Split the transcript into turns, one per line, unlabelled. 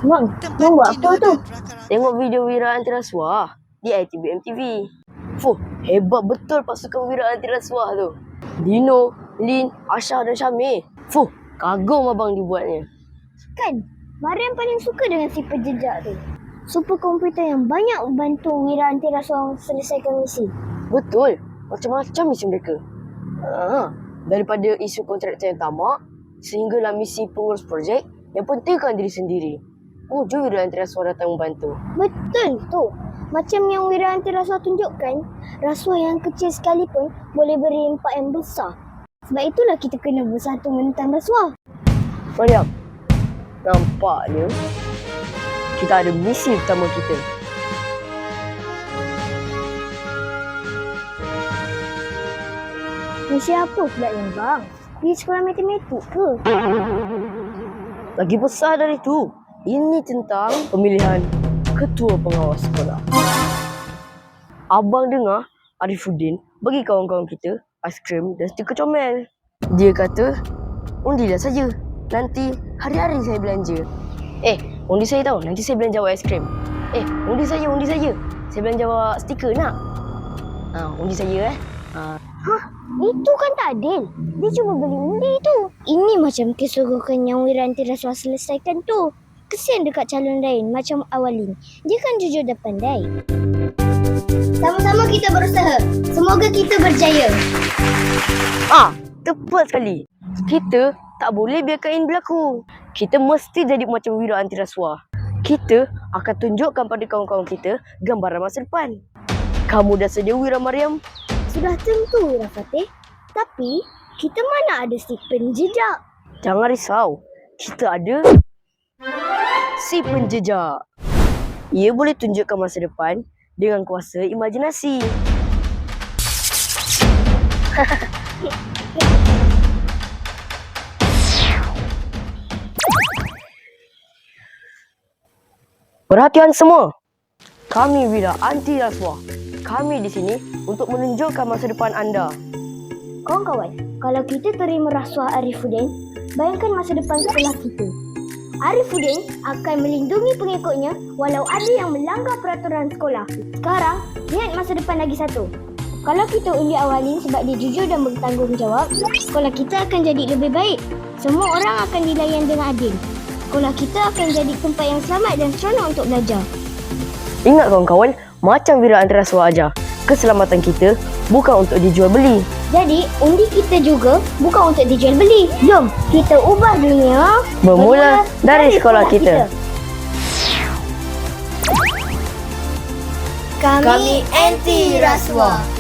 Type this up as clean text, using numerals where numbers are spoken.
Bang buat apa tu?
Tengok video Wira Anti Rasuah di ITBM TV. Fuh, hebat betul pasukan Wira Anti Rasuah tu. Dino, Lin, Asha dan Syamil. Fuh, kagum abang dibuatnya.
Kan, Mariam paling suka dengan si penjejak tu. Super komputer yang banyak membantu Wira Anti Rasuah selesaikan misi.
Betul, macam-macam misi mereka. Daripada isu kontraktor yang tamak sehinggalah misi pengurus projek yang pentingkan diri sendiri. Jom Wira Anti Rasuah datang membantu.
Betul tu. Macam yang Wira Anti Rasuah tunjukkan, rasuah yang kecil sekalipun boleh beri impak yang besar. Sebab itulah kita kena bersatu menentang rasuah.
Mariam, nampaknya kita ada misi utama kita.
Misi apa pula ni bang? Pergi sekolah matematik ke?
Lagi besar dari itu, ini tentang pemilihan ketua pengawas sekolah. Abang dengar Arifuddin bagi kawan-kawan kita aiskrim dan stiker comel. Dia kata, undilah saja. Nanti hari-hari saya belanja. Undi saya tahu, nanti saya belanja awak aiskrim. Undi saya. Saya belanja awak stiker nak? Undi saya
Itu kan tak adil. Dia cuma beli undi tu. Ini macam keserogokan yang Wira Anti Rasuah selesaikan tu. Kesian dekat calon lain macam Awalin. Dia kan jujur dan pandai. Sama-sama kita berusaha. Semoga kita berjaya.
Tepat sekali. Kita tak boleh biarkan ini berlaku. Kita mesti jadi macam Wira Anti Rasuah. Kita akan tunjukkan pada kawan-kawan kita gambaran masa depan. Kamu dah sedia Wira Mariam?
Sudah tentu Wira Fatih. Tapi kita mana ada si penjejak?
Jangan risau. Kita ada si penjejak. Ia boleh tunjukkan masa depan dengan kuasa imajinasi. Perhatian semua. Kami Wira Anti Rasuah. Kami di sini untuk menunjukkan masa depan anda.
Kawan-kawan, kalau kita terima rasuah Arifuddin, bayangkan masa depan sekolah kita. Arifuddin akan melindungi pengikutnya walau ada yang melanggar peraturan sekolah. Sekarang, lihat masa depan lagi satu. Kalau kita undi Awalin sebab dia jujur dan bertanggungjawab, sekolah kita akan jadi lebih baik. Semua orang akan dilayan dengan adil. Sekolah kita akan jadi tempat yang selamat dan seronok untuk belajar.
Ingat kawan-kawan, macam Wira Anti Rasuah ajar, keselamatan kita bukan untuk dijual beli.
Jadi, undi kita juga bukan untuk dijual beli. Jom, kita ubah dunia
Bermula dari sekolah kita.
Kami anti rasuah.